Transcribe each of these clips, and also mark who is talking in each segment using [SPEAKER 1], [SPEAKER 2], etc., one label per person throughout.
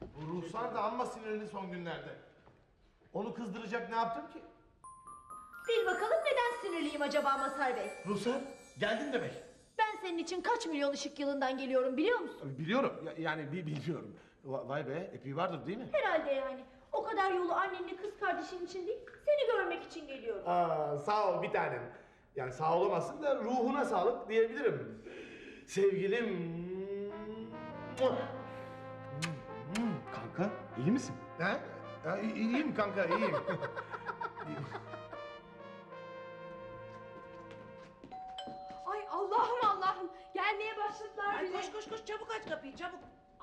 [SPEAKER 1] Bu Ruhsar da amma sinirli son günlerde. Onu kızdıracak ne yaptım ki?
[SPEAKER 2] Bil bakalım neden sinirliyim acaba Mazhar Bey?
[SPEAKER 1] Ruhsar geldin demek.
[SPEAKER 2] Ben senin için kaç milyon ışık yılından geliyorum biliyor musun?
[SPEAKER 1] Biliyorum yani biliyorum. Vay be epey vardır değil mi?
[SPEAKER 2] Herhalde yani. O kadar yolu annenle kız kardeşin için değil, seni görmek için geliyorum.
[SPEAKER 1] Aa, sağ ol bir tanem. Yani sağ olamazsın da ruhuna sağlık diyebilirim. Sevgilim.
[SPEAKER 3] Kanka iyi misin?
[SPEAKER 1] Ha? İyiyim kanka iyiyim.
[SPEAKER 4] Ay Allah'ım Allah'ım. Gelmeye başladılar
[SPEAKER 5] Ay
[SPEAKER 4] bile.
[SPEAKER 5] koş koş koş çabuk aç kapıyı çabuk.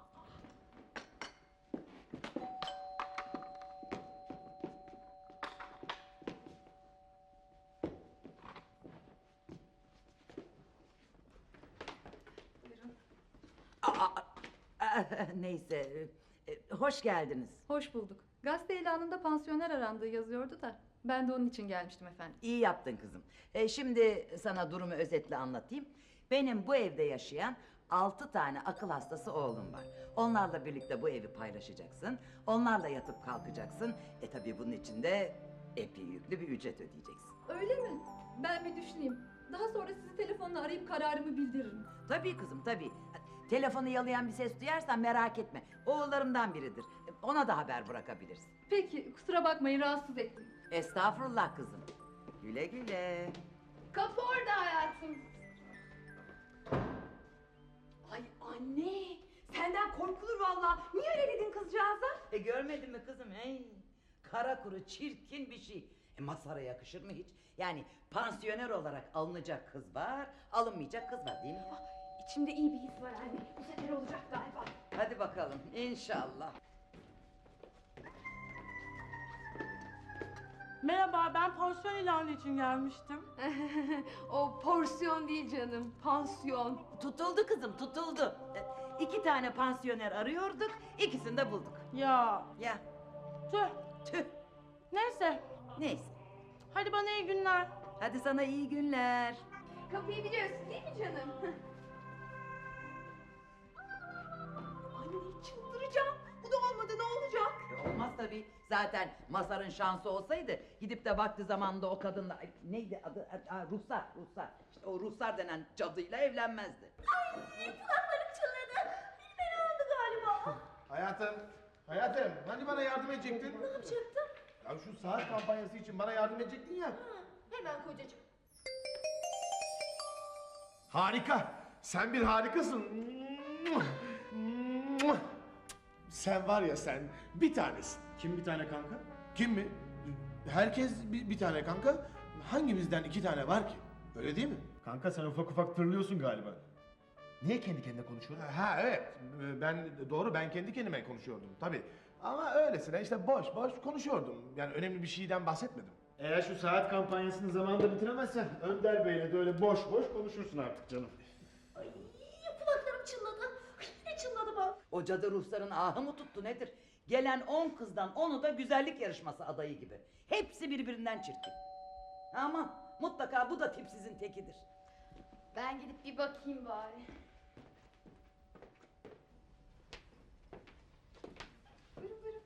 [SPEAKER 5] Neyse hoş geldiniz.
[SPEAKER 4] Hoş bulduk. Gazete ilanında pansiyoner arandığı yazıyordu da ben de onun için gelmiştim efendim.
[SPEAKER 5] İyi yaptın kızım. Şimdi sana durumu özetle anlatayım. Benim bu evde yaşayan 6 tane akıl hastası oğlum var. Onlarla birlikte bu evi paylaşacaksın. Onlarla yatıp kalkacaksın. Tabii bunun için de epey yüklü bir ücret ödeyeceksin.
[SPEAKER 4] Öyle mi? Ben bir düşüneyim. Daha sonra sizi telefonla arayıp kararımı bildiririm.
[SPEAKER 5] Tabii kızım tabii. Telefonu yalayan bir ses duyarsan merak etme. Oğullarımdan biridir. Ona da haber bırakabilirsin.
[SPEAKER 4] Peki kusura bakmayın rahatsız ettim.
[SPEAKER 5] Estağfurullah kızım. Güle güle.
[SPEAKER 4] Kapı orada hayatım. Ay anne senden korkulur vallahi. Niye öyle dedin kızcağıza?
[SPEAKER 5] Görmedin mi kızım? Hey, kara kuru çirkin bir şey. Mazhar'a yakışır mı hiç? Yani pansiyoner olarak alınacak kız var, alınmayacak kız var değil mi?
[SPEAKER 4] İçimde iyi bir his var anne. Bu sefer olacak galiba.
[SPEAKER 5] Hadi bakalım inşallah.
[SPEAKER 6] Merhaba, ben pansiyon ilanı için gelmiştim.
[SPEAKER 4] O porsiyon değil canım. Pansiyon.
[SPEAKER 5] Tutuldu kızım tutuldu. 2 tane pansiyoner arıyorduk, ikisini de bulduk.
[SPEAKER 6] Ya,
[SPEAKER 5] Ya
[SPEAKER 6] tüh.
[SPEAKER 5] tüh
[SPEAKER 6] Neyse,
[SPEAKER 5] neyse.
[SPEAKER 6] hadi bana iyi günler.
[SPEAKER 5] Hadi sana iyi günler.
[SPEAKER 4] Kapıyı biliyorsun değil mi canım? Anne çıldıracağım. Bu da olmadı ne olacak?
[SPEAKER 5] Olmaz tabii. Zaten Mazhar'ın şansı olsaydı gidip de vakti zamanında o kadınla ay, neydi adı? Ruhsar. İşte o Ruhsar denen cadıyla evlenmezdi.
[SPEAKER 2] Kulaklarım çınladı. Bir fena oldu galiba.
[SPEAKER 1] Hayatım hani bana yardım edecektin?
[SPEAKER 2] Ne yapacaktım?
[SPEAKER 1] Ya şu saat kampanyası için bana yardım edecektin ya.
[SPEAKER 2] Hemen kocacığım.
[SPEAKER 1] Harika. Sen bir harikasın. Sen var ya sen bir tanesin.
[SPEAKER 3] Kim bir tane kanka?
[SPEAKER 1] Kim mi? Herkes bir tane kanka. Hangimizden 2 tane var ki? Öyle değil mi?
[SPEAKER 3] Kanka sen ufak ufak tırlıyorsun galiba. Niye kendi kendine konuşuyorsun?
[SPEAKER 1] Ha evet. Ben kendi kendime konuşuyordum tabii. Ama öylesine işte boş konuşuyordum. Yani önemli bir şeyden bahsetmedim.
[SPEAKER 3] Eğer şu saat kampanyasını zamanında bitiremezsen Önder Bey'le de öyle boş konuşursun artık canım.
[SPEAKER 2] Ay kulaklarım çınladı. Ay, yine çınladı bak.
[SPEAKER 5] O cadı Ruhsar'ın ahı mı tuttu nedir? Gelen 10 kızdan 10'u da güzellik yarışması adayı gibi. Hepsi birbirinden çirkin. Ama mutlaka bu da tipsizin tekidir.
[SPEAKER 4] Ben gidip bir bakayım bari. Buyurun.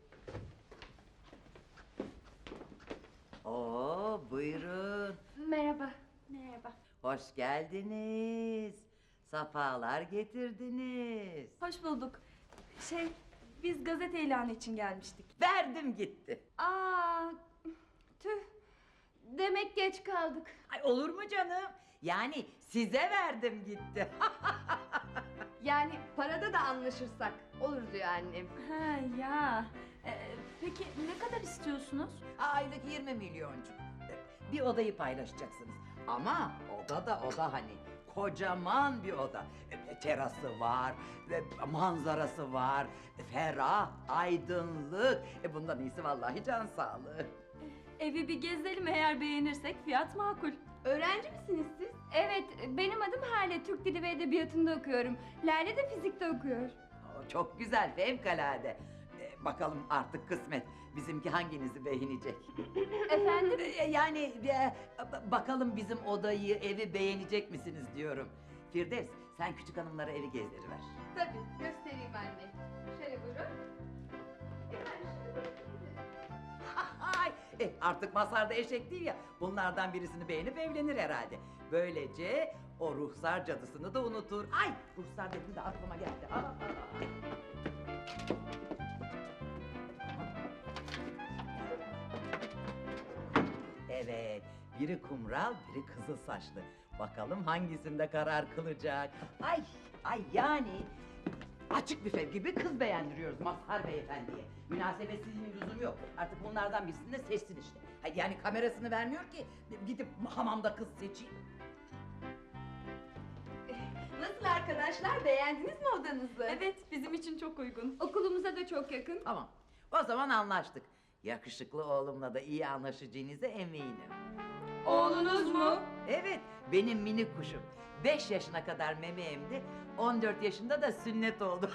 [SPEAKER 5] Oo buyurun.
[SPEAKER 4] Merhaba.
[SPEAKER 5] Hoş geldiniz. Safalar getirdiniz.
[SPEAKER 4] Hoş bulduk. Biz gazete ilanı için gelmiştik.
[SPEAKER 5] Verdim gitti.
[SPEAKER 4] Aa, tüh. Demek geç kaldık.
[SPEAKER 5] Ay olur mu canım? Yani size verdim gitti.
[SPEAKER 4] Yani parada da anlaşırsak olur diyor annem.
[SPEAKER 7] Ha ya. Peki ne kadar istiyorsunuz?
[SPEAKER 5] Aylık 20 milyoncuk. Bir odayı paylaşacaksınız. Ama oda hani kocaman bir oda. Terası var, manzarası var, ferah, aydınlık. Bundan iyisi vallahi can sağlığı.
[SPEAKER 7] Evi bir gezelim, eğer beğenirsek fiyat makul.
[SPEAKER 4] Öğrenci misiniz siz?
[SPEAKER 7] Evet, benim adım Hale. Türk Dili ve Edebiyatı'nda okuyorum. Lale de fizikte okuyor.
[SPEAKER 5] Çok güzel, fevkalade. Bakalım artık kısmet. Bizimki hanginizi beğenecek?
[SPEAKER 7] Efendim?
[SPEAKER 5] Yani bakalım bizim odayı, evi beğenecek misiniz diyorum. Firdevs, sen küçük hanımlara evi gezdiriver.
[SPEAKER 4] Tabii göstereyim anne. Şöyle buyurun.
[SPEAKER 5] Artık Mazhar da eşek değil ya. Bunlardan birisini beğenip evlenir herhalde. Böylece o ruhsar cadısını da unutur. Ay, ruhsar dedim de aklıma geldi. Aa. Evet, biri kumral, biri kızıl saçlı. Bakalım hangisinde karar kılacak. Ay yani açık büfe gibi kız beğendiriyoruz Mazhar beyefendiye. Münasebetsizliğin lüzumu yok. Artık bunlardan birisini de seçsin işte. Yani kamerasını vermiyor ki gidip hamamda kız seçeyim.
[SPEAKER 4] Nasıl arkadaşlar, beğendiniz mi odanızı?
[SPEAKER 7] Evet, bizim için çok uygun. Okulumuza da çok yakın.
[SPEAKER 5] Tamam, o zaman anlaştık. Yakışıklı oğlumla da iyi anlaşacağınıza eminim.
[SPEAKER 7] Oğlunuz mu?
[SPEAKER 5] Evet, benim minik kuşum. 5 yaşına kadar meme emdi, 14 yaşında da sünnet oldu.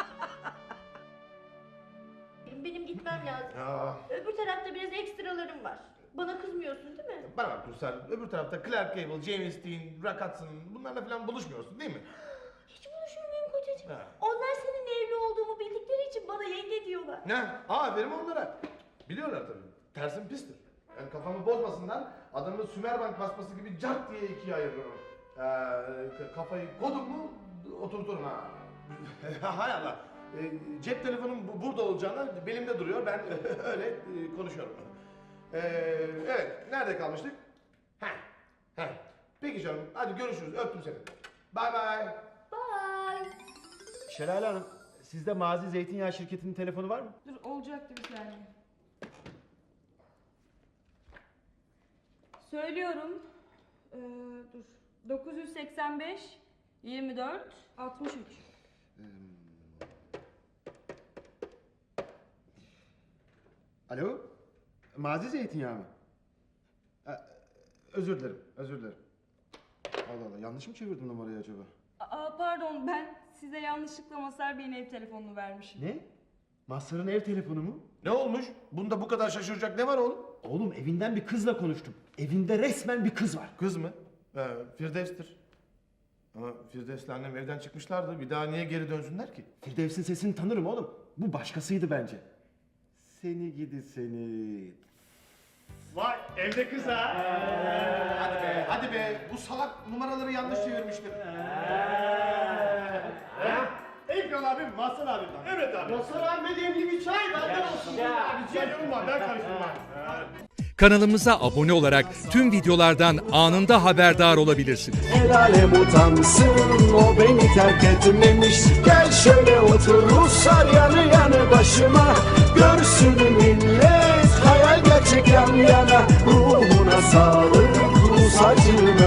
[SPEAKER 2] Benim gitmem lazım.
[SPEAKER 1] Ya,
[SPEAKER 2] Öbür tarafta biraz ekstralarım var. Bana kızmıyorsun değil mi?
[SPEAKER 1] bana bak Ruslar, öbür tarafta Clark Gable, James Dean, Rock Hudson bunlarla falan buluşmuyorsun değil mi?
[SPEAKER 2] Hiç buluşur muyum kocacığım?
[SPEAKER 1] Ha.
[SPEAKER 2] Onlar senin evli olduğumu bildikleri için bana yenge diyorlar.
[SPEAKER 1] Ne? Aferin onlara. Biliyorlar tabii. Tersim pistir. Yani kafamı bozmasınlar, adamı Sümerbank basması gibi cart diye ikiye ayırırım. Kafayı kodum mu oturturum ha. Hay Allah. Cep telefonum burada olacağına belimde duruyor. Ben öyle konuşuyorum. Evet, nerede kalmıştık? Heh. Peki canım, hadi görüşürüz. Öptüm seni. Bye bye.
[SPEAKER 2] Bye.
[SPEAKER 3] Şelale Hanım, sizde Mazi Zeytinyağı şirketinin telefonu var mı?
[SPEAKER 6] Dur olacaktı bir saniye.
[SPEAKER 7] Söylüyorum. Dur. 985 24 63.
[SPEAKER 3] Alo? Mazi Zeytinyağı mı? Özür dilerim. Allah Allah, yanlış mı çevirdim numarayı acaba?
[SPEAKER 7] Pardon, ben size yanlışlıkla Mazhar Bey'in ev telefonunu vermişim.
[SPEAKER 3] Ne? Mazhar'ın ev telefonu mu?
[SPEAKER 1] Ne olmuş? Bunda bu kadar şaşıracak ne var oğlum?
[SPEAKER 3] Oğlum, evinden bir kızla konuştum. Evinde resmen bir kız var.
[SPEAKER 1] Kız mı? Firdevs'tir. Ama Firdevs'le annem evden çıkmışlardı. Bir daha niye geri dönsünler ki?
[SPEAKER 3] Firdevs'in sesini tanırım oğlum. Bu başkasıydı bence. Seni gidi seni. Vay, evde kız ha.
[SPEAKER 1] Hadi be. Bu salak numaraları yanlış çevirmiştir.
[SPEAKER 3] Eyüp yol abim, Mazhar abim. Evet abi. Mazhar abime demli bir çay benden olsun. Rica ediyorum var, ben karıştırmam.
[SPEAKER 8] Kanalımıza abone olarak tüm videolardan anında haberdar olabilirsiniz.
[SPEAKER 9] El alem utansın, o beni terk etmemiş. Gel şöyle otur Ruslar yanı yanı başıma. Görsün millet hayal gerçek yan yana. Ruhuna sağlık Rus acım.